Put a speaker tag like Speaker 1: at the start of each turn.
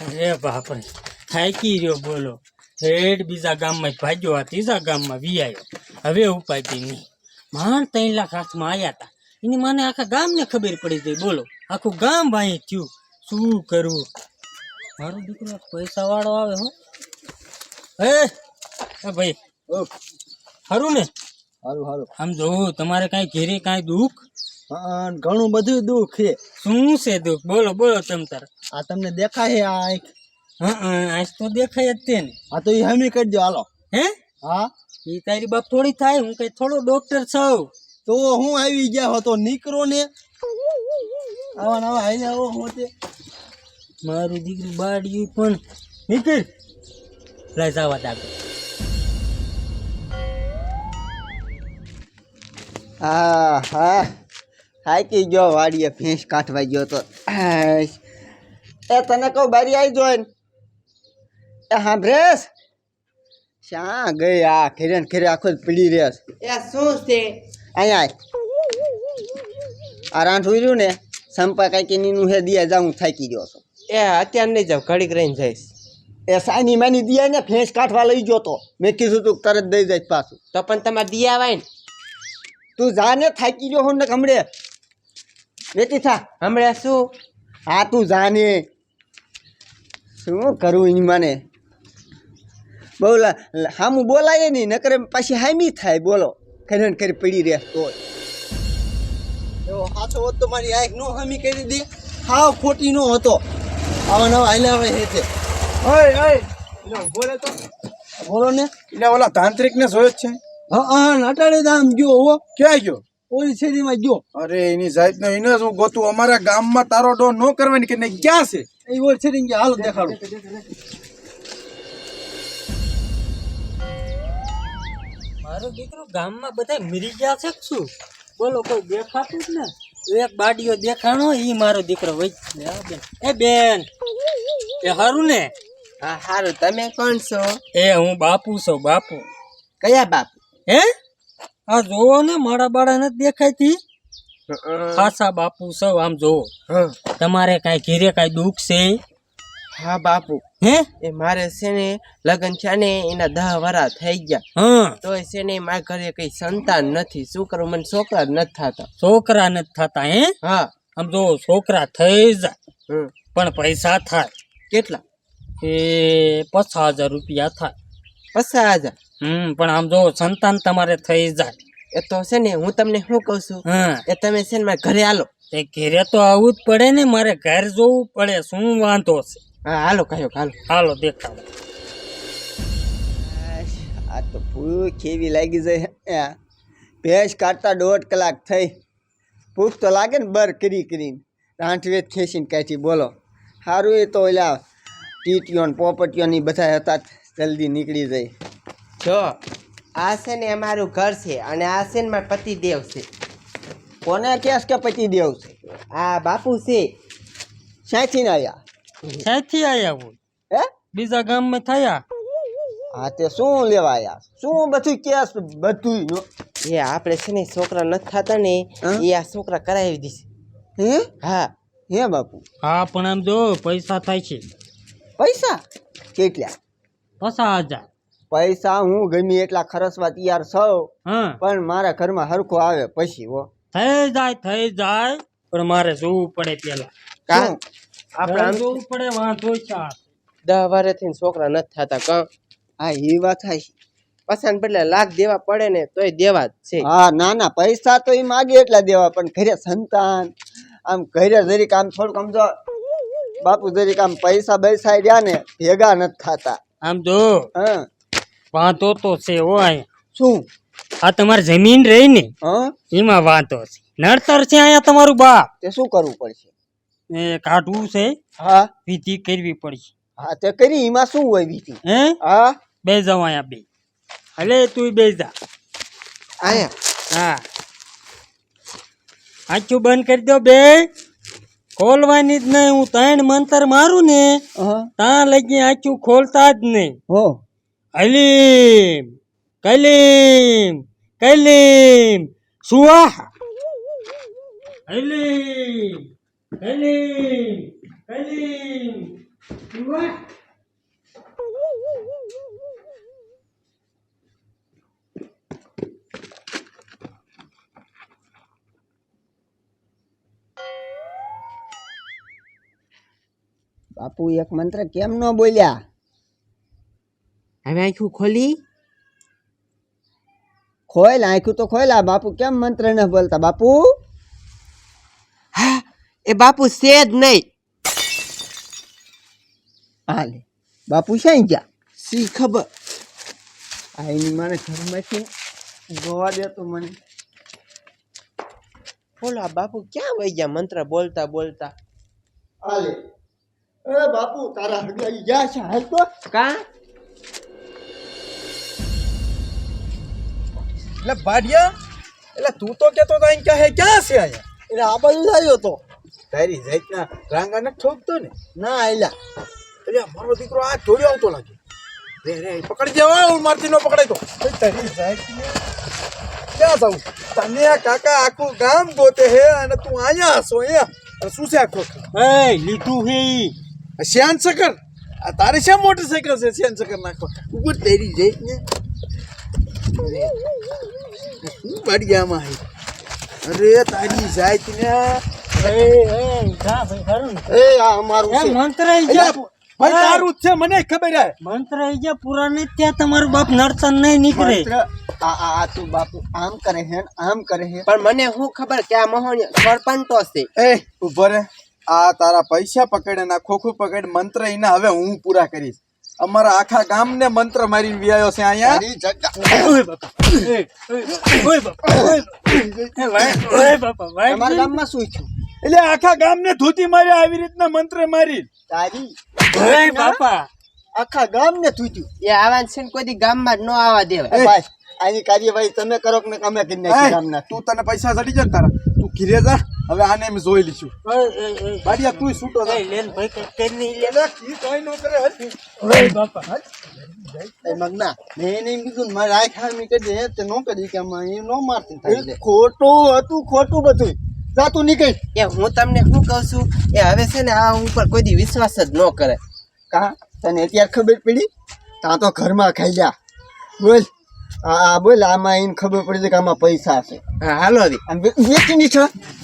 Speaker 1: અરે બાપરે, થાકી રહ્યો બોલો. ઠેઠ બીજા ગામમાં ભાગ્યો, આ ત્રીજા ગામમાં વિયાયો. હવે ઉપાય નહીં. માંડ 3 લાખ હાથમાં આવ્યા હતા. એની મને આખા ગામને ખબર પડી ગઈ. બોલો, આખું ગામ ભાઈ થયું. શું કરવું? મારો દીકરો પૈસા વાળો આવે. હો ભાઈ, સારું ને?
Speaker 2: હારું હારું.
Speaker 1: આમ જોવું તમારે કાંઈ ઘેરે કાંઈ દુઃખ?
Speaker 2: ઘણું બધું દુઃખ છે.
Speaker 1: શું છે દુઃખ? બોલો બોલો તમ તાર.
Speaker 2: આ તમને દેખાય આ આંખ?
Speaker 1: આજ તો દેખાય જ તે ને.
Speaker 2: હા તો એ હમી કરી દો હાલો.
Speaker 1: હે?
Speaker 2: હા
Speaker 1: એ તારી બાપ થોડી થાય. હું કઈ થોડો ડોક્ટર છું.
Speaker 2: તો હું આવી ગયા હતો નીકળો ને. આવા નવા હાઈને આવો હોતે.
Speaker 1: મારું દીકરું બાળ્યું પણ નીકળ. લઈ જવા દાદા.
Speaker 2: હા હા થાકી ગયો વાડીએ ભેંસ કાઢવા ગયો તો. એ તને કહું બારી આવી જોઈને. એ સાંભળેશ? શા ગઈ આ ઘેરે ને ઘેરે આખો જ પડી રહેશ.
Speaker 3: એ શું છે?
Speaker 2: અહીંયા આ રાંઠ ઉર્યું ને સંપા કાંઈક એનું હે દિયા જાઉં થાકી ગયો છો.
Speaker 3: એ અત્યારે નહીં જાવ, ઘડીક રહીને જઈશ.
Speaker 2: એ સાની માની દિયા ને ભેંસ કાઢવા લઈ ગયો તો. મેં કીધું તું તરત દઈ જાય પાછું.
Speaker 3: તો પણ તમારે દિયા આવાય ને.
Speaker 2: તું જા ને, થાકી ગયો હું ને હમણે વેતી થા.
Speaker 3: હમણાં શું?
Speaker 2: હા તું જા ને. શું કરું એની માને? બહુ હામું બોલાય નહીં, નકર પાછી હામી થાય. બોલો, ખરે ને ખરી પડી રહે તો એવો સાચો હોત તો મારી આંખ નો હામી કરી દે. હાવ ખોટી નો હતો. આવા નવા હાલ્યા હોય હે તે.
Speaker 4: બોલે તો
Speaker 2: બોલો ને.
Speaker 4: એટલે ઓલા તાંત્રિક ને જોયો જ છે.
Speaker 2: હા નાટાડે આમ ગયો. હો
Speaker 4: ક્યાં ગયો?
Speaker 2: ઓલી શેરીમાં ગયો.
Speaker 4: અરે એની જાત નો એને શું ગોતું? અમારા ગામમાં તારો ડો નો કરવાની કે નહીં? ક્યાં છે?
Speaker 2: એ ઓલી શેરી ગયા. હાલો દેખાડો.
Speaker 1: મારો દીકરો ગામમાં બધા મરી ગયા છે કે શું? બોલો, કોઈ દેખાતું જ ને. એક બાડીઓ દેખાણો, ઈ મારો દીકરો વઈ. એ બેન, એ હારું ને?
Speaker 3: હા સારું. તમે કોણ છો?
Speaker 1: એ હું બાપુ છું. બાપુ?
Speaker 3: કયા બાપુ?
Speaker 1: હે? આ જોવો ને, મારા બાળા નથી દેખાતી. ખાસા બાપુ છો. આમ જોવો. તમારે કાંઈ ઘીરે કાંઈ દુઃખ છે?
Speaker 3: હા બાપુ.
Speaker 1: હે?
Speaker 3: એ મારે છે ને લગ્ન છે ને એના 10 વરા થઈ ગયા.
Speaker 1: હા.
Speaker 3: તો છે ને મારા ઘરે કઈ સંતાન નથી. શું કરું? મને છોકરા જ નથી થતા.
Speaker 1: છોકરા નથી થતા? હે?
Speaker 3: હા.
Speaker 1: આમ જો, છોકરા થઈ જાય પણ પૈસા થાય
Speaker 3: કેટલા?
Speaker 1: એ 50,000 રૂપિયા થાય.
Speaker 3: 50,000?
Speaker 1: પણ આમ જો, સંતાન તમારે થઈ જાય.
Speaker 3: એ તો છે ને હું તમને શું કહું છું,
Speaker 1: હા,
Speaker 3: એ તમે છે ને મારા ઘરે હાલો.
Speaker 1: તે ઘેરે તો આવવું જ પડે ને. મારે ઘર જોવું પડે. શું વાંધો છે?
Speaker 3: હા હાલો કયો હાલો.
Speaker 1: હાલો દેખાડો.
Speaker 2: આ તો ભૂખ એવી લાગી જાય. ભેંસ કાઢતા 1.5 કલાક થઈ. ભૂખ તો લાગે ને બર કરીને. રાંઠવેત ખેંચીને કાઢી. બોલો, સારું એ તો ઓલા ટીટીઓ ને પોપટીઓ ની બધા હતા, જલ્દી નીકળી જાય.
Speaker 3: જો આ છે ને અમારું ઘર છે અને આ છે ને મારા પતિદેવ છે.
Speaker 2: કોને કેસ કે પતિદેવ છે?
Speaker 3: આ બાપુ છે.
Speaker 2: ક્યાંથી આવ્યા?
Speaker 1: ક્યાંથી આયા હું?
Speaker 2: હે?
Speaker 1: બીજા ગામમાં થયા.
Speaker 2: હા તે શું લેવા આવ્યા? શું બધું કેસ બધું?
Speaker 3: એ આપણે છે ને છોકરા નથી થતા ને, એ આ છોકરા કરાવી દીશે.
Speaker 2: હે?
Speaker 3: હા.
Speaker 2: હે બાપુ?
Speaker 1: હા, પણ આમ જો, પૈસા થાય છે.
Speaker 2: પૈસા કેટલા?
Speaker 1: 50,000.
Speaker 2: પૈસા હું ગમે એટલા ખર્ચવા તૈયાર છું,
Speaker 1: હા,
Speaker 2: પણ મારા ઘરમાં હરખો આવે પછી. હો
Speaker 1: થઈ જાય પણ મારે જોવું પડે પેલા.
Speaker 2: શું?
Speaker 3: આપણે આમ
Speaker 1: જોવું પડે. વાંધો છે.
Speaker 3: 10 વર્ષથી છોકરા નથી થતા. કાં
Speaker 2: હા એ વાત થાય.
Speaker 3: પસંદ બદલે લાખ દેવા પડે ને તોય દેવા જ છે.
Speaker 2: હા ના પૈસા તો એ માગે એટલા દેવા, પણ ઘરે સંતાન આમ ઘરે જરીક આમ થોડુંક સમજો બાપુ, જરીક આમ પૈસા બૈસા રહ્યા ને ભેગા નથી થતા.
Speaker 1: આમ જો,
Speaker 2: હા
Speaker 1: વાંધો તો છે. હોય
Speaker 2: શું?
Speaker 1: આ તમારી જમીન રહી ને,
Speaker 2: હા
Speaker 1: એમાં વાંધો છે. નડતર છે અહીંયા તમારું બાપ.
Speaker 2: તે શું કરવું પડશે?
Speaker 1: એ કાઢવું છે,
Speaker 2: હા
Speaker 1: વિધિ કરવી પડશે.
Speaker 2: હા તે કરી. એમાં શું હોય વિધિ?
Speaker 1: હે?
Speaker 2: હા
Speaker 1: બે જાવ અહીંયા બે. હલે તું બે જા.
Speaker 3: આયા
Speaker 1: હા, આંખું બંધ કરી દો બે. ખોલવાની જ નહીં. હું 3 મંતર મારું ને ત્યાં લગી આંખું ખોલતા જ નહીં.
Speaker 2: હો
Speaker 1: હલીમ કલીમ કલીમ સુવાહા. હલીમ કલીમ કલીમ સુવાહા.
Speaker 2: બાપુ એક મંત્ર કેમ ન બોલ્યા?
Speaker 3: હવે આખું ખોલી.
Speaker 2: ખોલ આંખું તો ખોલા. બાપુ કેમ મંત્ર ન બોલતા બાપુ?
Speaker 3: હા, એ બાપુ છે જ નહીં.
Speaker 2: હાલે બાપુ ક્યાં ગયા?
Speaker 3: સી ખબર.
Speaker 2: આ એની મને ઘરમાંથી જોવા દે તો મને.
Speaker 3: બોલો આ બાપુ ક્યાં વહી ગયા મંત્ર બોલતા બોલતા?
Speaker 2: હાલે એ બાપુ તારા હગાઈ ગયા છે હાલ તો.
Speaker 3: કા
Speaker 4: એટલે ભાડિયા, એટલે તું તો કેતો તો અહીં ક્યાં ક્યાં છે અહીંયા?
Speaker 2: એટલે આ બાજુ જ આવ્યો તો.
Speaker 4: તારી જાતના રાંગા ન ઠોકતો ને.
Speaker 2: ના આયલા.
Speaker 4: એટલે મારો દીકરો આ જોડ્યો આવતો લાગે. રે રે પકડી જવા, મારતી નો પકડાય તો. તારી જાતને ક્યાં જાઉં? તને આ કાકા આખું ગામ ગોતે હે અને તું અહીંયા હસો અહીંયા. અને શું છે આખો?
Speaker 1: એ લીધું હે ઈ.
Speaker 4: શ્યાન સકર, આ તારે શા મોટરસાઇકલ છે શ્યાન સકર નાખો? ઉપર તારી જાતને શું ભાડિયામાં હે? અરે તારી જાતને
Speaker 1: જા ભાઈ ખરું ને.
Speaker 2: એ આ અમારું
Speaker 1: એ
Speaker 2: છે.
Speaker 1: મંત્ર ઈ ગયા.
Speaker 4: ભાઈ તારું જ છે, મને ખબર હે.
Speaker 1: મંત્ર ઈ ગયા પૂરા નહીં ત્યાં તમારું બાપ નડતર નહીં નીકળે.
Speaker 2: મંત્ર આ તું બાપુ આમ કરે હે ને આમ કરે હે.
Speaker 3: પણ મને શું ખબર કે આ મહોણી સરપંચો છે.
Speaker 4: એ ઉભો રે, આ તારા પૈસા પકડે ના ખોખું પકડ મંત્ર એના હવે હું પૂરા કરીશ. અમારા આખા ગામને મંત્ર મારીને વ્યાયો છે અહીંયા.
Speaker 2: તારી જગ્યા
Speaker 1: ઓય બાપા ઓય બાપા ઓય બાપા ભાઈ
Speaker 2: તમારા ગામમાં શું થયું?
Speaker 4: એટલે આખા ગામને ધોતી માર્યા આવી રીતના મંત્ર મારી.
Speaker 2: તારી
Speaker 1: ઓય બાપા
Speaker 2: આખા ગામને તૂટ્યું.
Speaker 3: એ આવા છે ને કોઈ દી ગામમાં જ ન આવવા દેવાય.
Speaker 2: એ ભાઈ આની કાર્યવાહી તમે કરો કે અમે કરી નાખી ગામના.
Speaker 4: તું તને પૈસા ચડી જાય ને તારા, તું ઘીરે જા. હવે આને એમ જોઈ લઈશું. બાડિયા તું છૂટો જા.
Speaker 1: લેન ભાઈ કઈ કરી નહીં લે.
Speaker 4: એટલે કી તોય નો કરે હે.
Speaker 1: ઓય બાપા
Speaker 2: એ મગના મેં એને એમ કીધું ને મારે આ ખામી કરી દે તે નો કરી કે આમાં એ નો મારતી થાય. ખોટું હતું ખોટું બધું. જા તું નીકળ.
Speaker 3: એ હું તમને શું કહું છું, એ હવે છે ને આ ઉપર કોઈ દી વિશ્વાસ જ ન કરે.
Speaker 2: કા તને અત્યારે ખબર પડી? તાં તો ઘરમાં ખાઈ જા. બોલ બોલ આમાં એને ખબર પડી કે આમાં પૈસા છે.
Speaker 3: હા હાલો દી.
Speaker 2: આમ વેચીની છે